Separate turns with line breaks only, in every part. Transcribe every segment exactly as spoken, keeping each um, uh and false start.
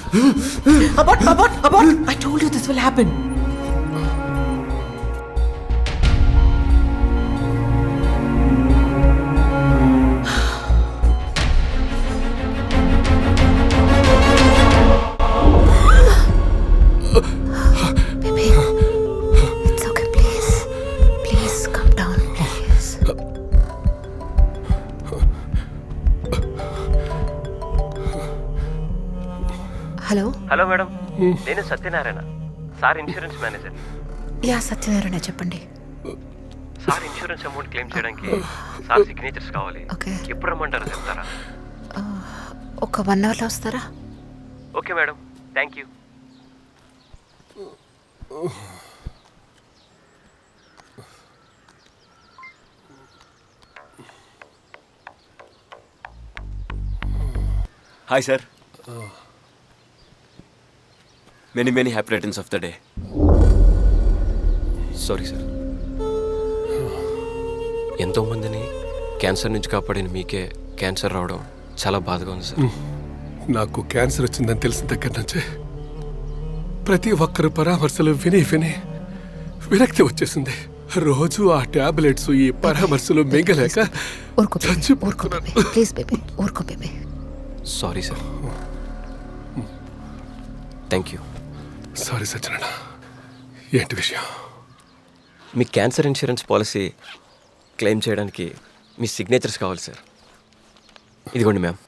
Abort, abort, abort! I told you this will happen.
Baby, it's okay, please. Please calm down, please. Hello
hello madam, నేను Satyanarayana, sir insurance manager.
Yeah Satyanarayana చెప్పండి.
Sir insurance amount claim చేయడానికి sir signatures కావాలి.
Okay.
ఎప్పుడు రమ్మంటారో చెప్తారా?
ఒక one అవర్లో వస్తారా?
Okay madam, thank you.
Hi sir. Many many happy returns of the day. Sorry sir. ఎంతోమందిని క్యాన్సర్ నుంచి కాపాడిన మీకే క్యాన్సర్ రావడం చాలా బాధగా ఉంది సార్.
నాకు క్యాన్సర్ వచ్చిందని తెలిసిన దగ్గర నుంచే ప్రతి ఒక్కరు పరామర్శలు విని విని విరక్తి వచ్చేసింది. రోజు ఆ టాబ్లెట్స్ ఈ పరామర్శలు మింగలేక
ఊరుకో బేబీ, ఊరుకో బేబీ, ప్లీజ్ బేబీ, ఊరుకో baby.
Sorry sir. Thank you.
Sorry Satyanarayana, ఏంటి విషయం?
మీ క్యాన్సర్ ఇన్సూరెన్స్ పాలసీ క్లెయిమ్ చేయడానికి మీ సిగ్నేచర్స్ కావాలి సార్. ఇదిగోండి మ్యామ్.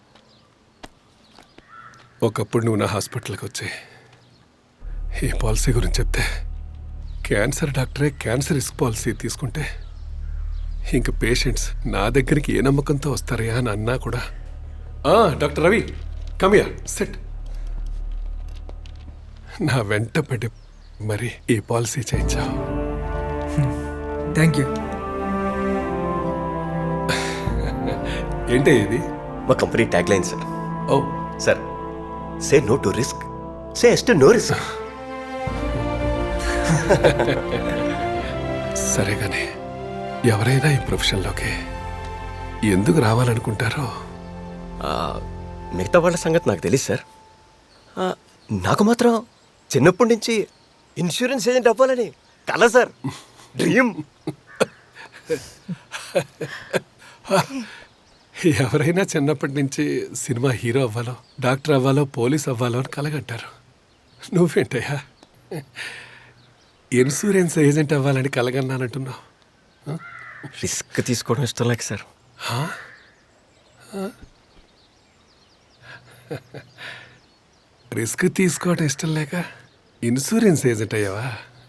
ఒకప్పుడు నువ్వు నా హాస్పిటల్కి వచ్చి ఈ పాలసీ గురించి చెప్తే క్యాన్సర్ డాక్టరే క్యాన్సర్ రిస్క్ పాలసీ తీసుకుంటే ఇంక పేషెంట్స్ నా దగ్గరికి ఏ నమ్మకంతో వస్తారయా అని అన్నా కూడా, డాక్టర్ రవి కమియా సెట్ నా వెంట పడి మరి ఈ పాలసీ చేయించావు.
Thank you.
ఏంటి ఇది?
మా company tag line sir.
Oh
sir, say no to risk, say yes to no risk.
సరే కానీ ఎవరైనా ఈ ప్రొఫెషన్లోకి ఎందుకు రావాలనుకుంటారో?
మిగతా వాళ్ళ సంగతి నాకు తెలియదు సార్. ఆ, నాకు మాత్రం చిన్నప్పటి నుంచి ఇన్సూరెన్స్ ఏజెంట్ అవ్వాలని కల సార్, డ్రీమ్.
ఎవరైనా చిన్నప్పటి నుంచి సినిమా హీరో అవ్వాలో, డాక్టర్ అవ్వాలో, పోలీస్ అవ్వాలో అని కలగంటారు. నువ్వేంటయ్యా ఇన్సూరెన్స్ ఏజెంట్ అవ్వాలని కలగన్నానంటున్నావు?
రిస్క్ తీసుకోవడం ఇష్టం లేక సార్.
రిస్క్ తీసుకోవడం ఇష్టం లేక ఇన్సూరెన్స్ ఏజెంట్ అయ్యావా?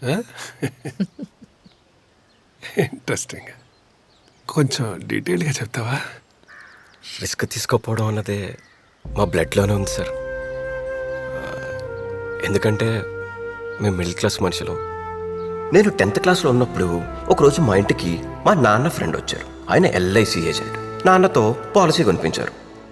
ఇంట్రెస్టింగ్. కొంచెం డీటెయిల్గా చెప్తావా?
రిస్క్ తీసుకోకపోవడం అన్నదే మా బ్లడ్లోనే ఉంది సార్. ఎందుకంటే మేము మిడిల్ క్లాస్ మనుషులు. నేను టెన్త్ క్లాస్లో ఉన్నప్పుడు ఒకరోజు మా ఇంటికి మా నాన్న ఫ్రెండ్ వచ్చారు. ఆయన ఎల్ఐసి ఏజెంట్. నాన్నతో పాలసీ కొనిపించారు.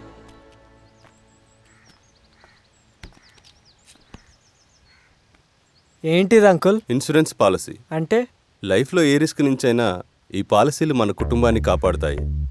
ఏంటిది అంకుల్?
ఇన్సూరెన్స్ పాలసీ
అంటే
లైఫ్లో ఏ రిస్క్ నుంచైనా ఈ పాలసీలు మన కుటుంబాన్ని కాపాడుతాయి.